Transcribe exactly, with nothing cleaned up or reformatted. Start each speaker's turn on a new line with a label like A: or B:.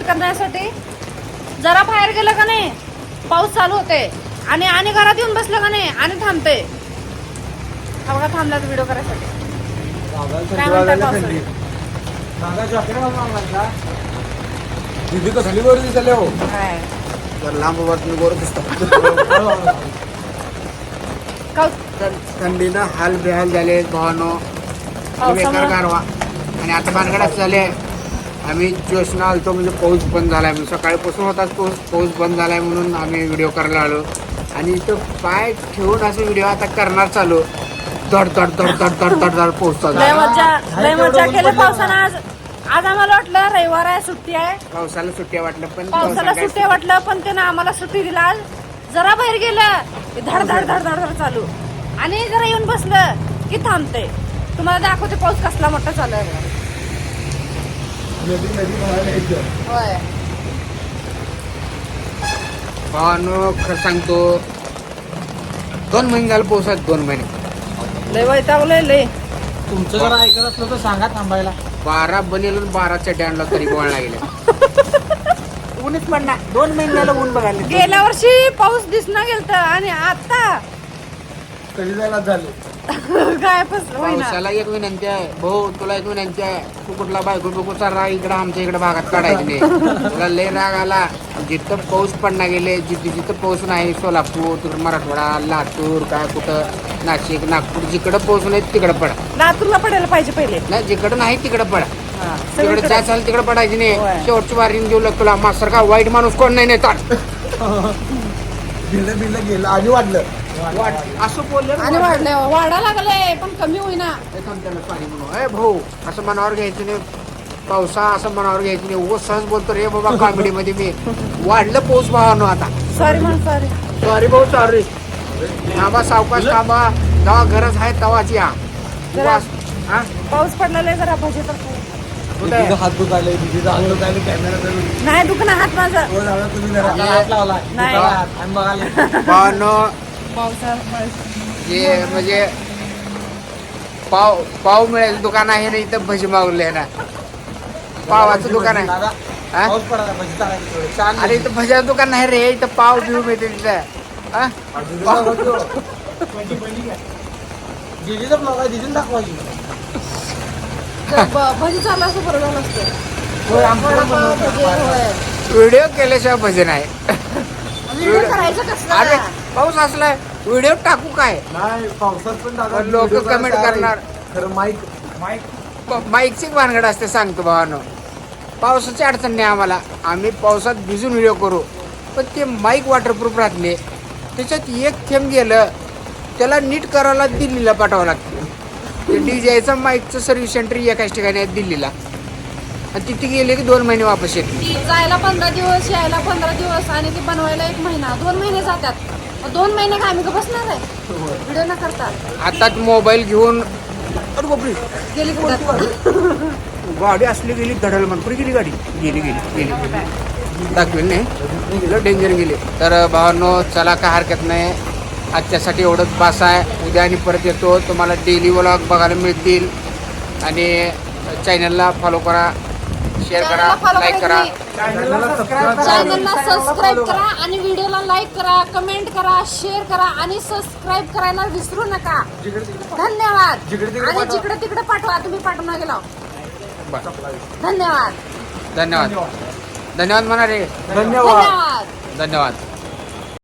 A: Shoot करण्यासाठी जरा बाहेर गेलं का नाही पाऊस चालू होते आणि आणि घरात येऊन बसलं का नाही आणि थांबते. हा बघा थांबला व्हिडिओ करायसाठी. काय म्हणताय पावसाळी?
B: दीदी कसली वर दिसले हो
A: काय?
B: तर लांब बातमी वर दिसतात. थंडीनं हाल बेहाल झाले भावानो, बेकार गारवा. आणि आता भानगडाच झाले. आम्ही जोशना आलतो म्हणजे पाऊस बंद झालाय म्हणून सकाळीपासून होताच पाऊस पाऊस बंद झालाय म्हणून आम्ही व्हिडिओ करायला आलो. आणि इथं पाय ठेवून असं व्हिडिओ आता करणार चालू. धड धड धड धड धड धड धड पाऊस चालू.
A: लय मजा लय मजा केली पावसानं. आज आज आम्हाला वाटलं रविवार आहे सुट्टी आहे
B: पावसाला सुट्ट्या वाटलं पण
A: पावसाला सुट्टी वाटलं पण त्यानं आम्हाला सुट्टी दिला. आज जरा बाहेर गेलं की धड धड धड धड धड चालू आणि जरा येऊन बसलं की थांबते. तुम्हाला दाखवते पाऊस कसला मोठा चालू आहे. होय
B: भावानो खरं सांगतो दोन महिने झाले पाऊस आहेत. दोन महिने
A: लय वैतागलंय लय.
C: तुमचं जर ऐकत असलं तर सांगा थांबायला.
B: बारा बनेल बारा चड्या आणला तरी बोळला गेले. ऊनच पडणार. दोन महिन्याला ऊन बघायला
A: गेल्या वर्षी पाऊस दिसना गेलत आणि आता
C: कधी जायला झाले
A: काय फस होईना.
B: पावसाला एक विनंती आहे भाऊ, तुला एक विनंती आहे. तू कुठला बायको बिको चालला इकडं आमच्या इकडे भागात काढायची नाही. तुला लय राग आला. जिथं पाऊस पडणार गेले जिथे जिथं पाऊस नाही सोलापूर तिकडं मराठवाडा लातूर काय कुठं नाशिक नागपूर जिकडं पाऊस नाही तिकडं पडा.
A: लातूरला पडायला पाहिजे पहिले.
B: नाही जिकडं नाही तिकडं पडा.
A: हा,
B: तिकडे
A: सगळीकडे.
B: काय चालेल तिकडे पडायची
A: होय.
B: नाही. शेवटची वारीन घेऊ लागतो तुला मास्तर का वाईट माणूस कोण नाही नेतात.
C: बिल्ल बिल्ल गेलं आणि वाढलं
B: असं बोललं
A: आणि वाढलं वाढा लागलंय पण कमी होईना.
B: ए भाऊ असं मनावर घ्यायचं नाही. पावसा असं मनावर घ्यायचं नाही. उगाच सहज बोलतो रे बाबा कॉमेडी मध्ये मी. वाढलं पाऊस भावानो आता.
A: सॉरी म्हण सॉरी.
B: सॉरी भाऊ सॉरी. थांबा सावकाश थांबा. जेव्हा गरज आहे तेव्हाच या.
A: जरा
B: हा?
A: पाऊस पडलेला जरा भजी तर खाऊ.
B: कुठे आहे?
C: हात दुखायले दीदीचा हात दुखायले कॅमेरा धरून.
A: नाही दुखणं हात माझा.
C: हो झाला तुम्ही जरा हात लावला
A: नाही.
C: आणि बघायला
B: भावानो
A: पावसा
B: जे म्हणजे पाव पाव मिळेल दुकान आहे ना इथं भजी मागवले ना. पावाचं दुकान आहे.
C: दादा,
B: हा?
C: पाऊस पडायला भजी चालायची थोडी. छान
B: अरे इथं भज्याचं दुकान नाही रे. इथं पाव बिव मिळते तिथं. हा?
C: दीदीचा ब्लॉग आहे दीदीने दाखवायची.
A: भजी चालला असं बरं झालं असतं.
C: होय, आमचं पण
A: वडापाव,
C: बनवतात.
A: भजी, होय.
B: व्हिडिओ केल्याशिवाय भजन आहे.
A: व्हिडिओ करायचं
B: अरे
A: कसलं.
B: पाऊस असलाय व्हिडिओ टाकू काय.
C: नाही पावसात पण दादा
B: पण लोकं
C: व्हिडिओ
B: comment
C: करायला
B: करणार.
C: खरं माईक माईक
B: माईकची भानगड असते सांगतो भावानो. पावसाची अडचण नाही आम्हाला. आम्ही पावसात भिजून व्हिडिओ करू पण ते माईक वॉटरप्रूफ राहतले. त्याच्यात एक थेंब गेलं त्याला नीट करायला दिल्लीला पाठवावं लागतं. ते डीजेचं माईकचं सर्व्हिस सेंटर एकाच ठिकाणी आहे दिल्लीला. आणि तिथे गेले की दोन महिने वापस येत नाही.
A: जायला पंधरा दिवस यायला पंधरा दिवस आणि ते बनवायला एक महिना दोन महिने जातात. मग दोन महिने का आम्ही का बसणार आहे व्हिडिओ न करता.
B: आता मोबाईल घेऊन अरे बापरे
A: गेली कुठं.
B: गाडी असली गेली धडल म्हणून कुठे गेली गाडी गेली गेली गेली दाखवेल नाही गेलं डेंजर गेली. तर भावांनो चला काय हरकत नाही. आजच्यासाठी एवढंच बास आहे. उद्या आणि परत येतो. तुम्हाला डेली व्लॉग बघायला मिळतील. आणि चॅनलला फॉलो करा, शेअर करा, लाईक करा.
C: चॅनलला सबस्क्राईब करा.
A: चॅनलला सबस्क्राईब करा आणि व्हिडिओला लाईक करा, कमेंट करा, शेअर करा आणि सबस्क्राईब करायला विसरू नका. धन्यवाद.
C: जिकडे तिकडे
A: आणि जिकडे तिकडे पाठवा. तुम्ही पाठवून गेला. धन्यवाद.
B: धन्यवाद धन्यवाद म्हणा रे.
C: धन्यवाद.
A: धन्यवाद.
B: धन्यवाद.